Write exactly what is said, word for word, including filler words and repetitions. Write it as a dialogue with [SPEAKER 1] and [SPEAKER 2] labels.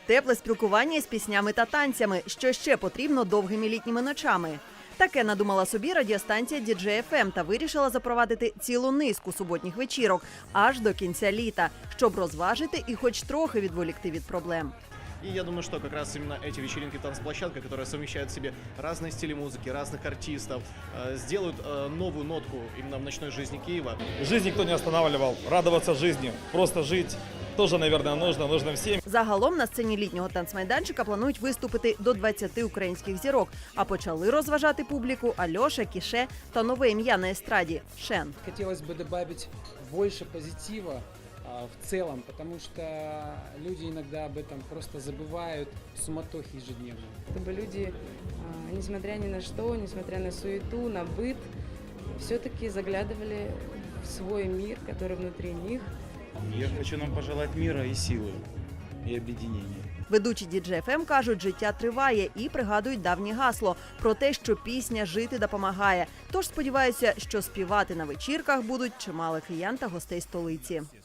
[SPEAKER 1] тепле спілкування з піснями та танцями, що ще потрібно довгими літніми ночами. Таке надумала собі радіостанція ді джей еф ем та вирішила запровадити цілу низку суботніх вечірок аж до кінця літа, щоб розважити і хоч трохи відволікти від проблем.
[SPEAKER 2] И я думаю, что как раз именно эти вечеринки танцплощадка, которые совмещают в себе разные стили музыки, разных артистов, э, сделают э, новую нотку именно в ночной жизни Киева.
[SPEAKER 3] Жизнь никто не останавливал, радоваться жизни, просто жить тоже, наверное, нужно, нужно всем.
[SPEAKER 1] Загалом на сцені літнього танцмайданчика планують виступити до двадцяти українських зірок, а почали розважати публіку Альоша, Кіше та нове ім'я на естраді – Шен.
[SPEAKER 4] Хотелось бы добавить больше позитива в целом, потому что люди иногда об этом просто забывают в суматохе ежедневно.
[SPEAKER 5] Чтобы люди, несмотря ни на что, несмотря на суету, на быт, все-таки заглядывали в свой мир, который внутри них.
[SPEAKER 6] Я хочу нам пожелать мира и силы, и объединения.
[SPEAKER 1] Ведучі ді джей еф ем кажуть, життя триває і пригадують давнє гасло про те, що пісня жити допомагає. Тож сподіваюся, що співати на вечірках будуть чимало киян та гостей столиці.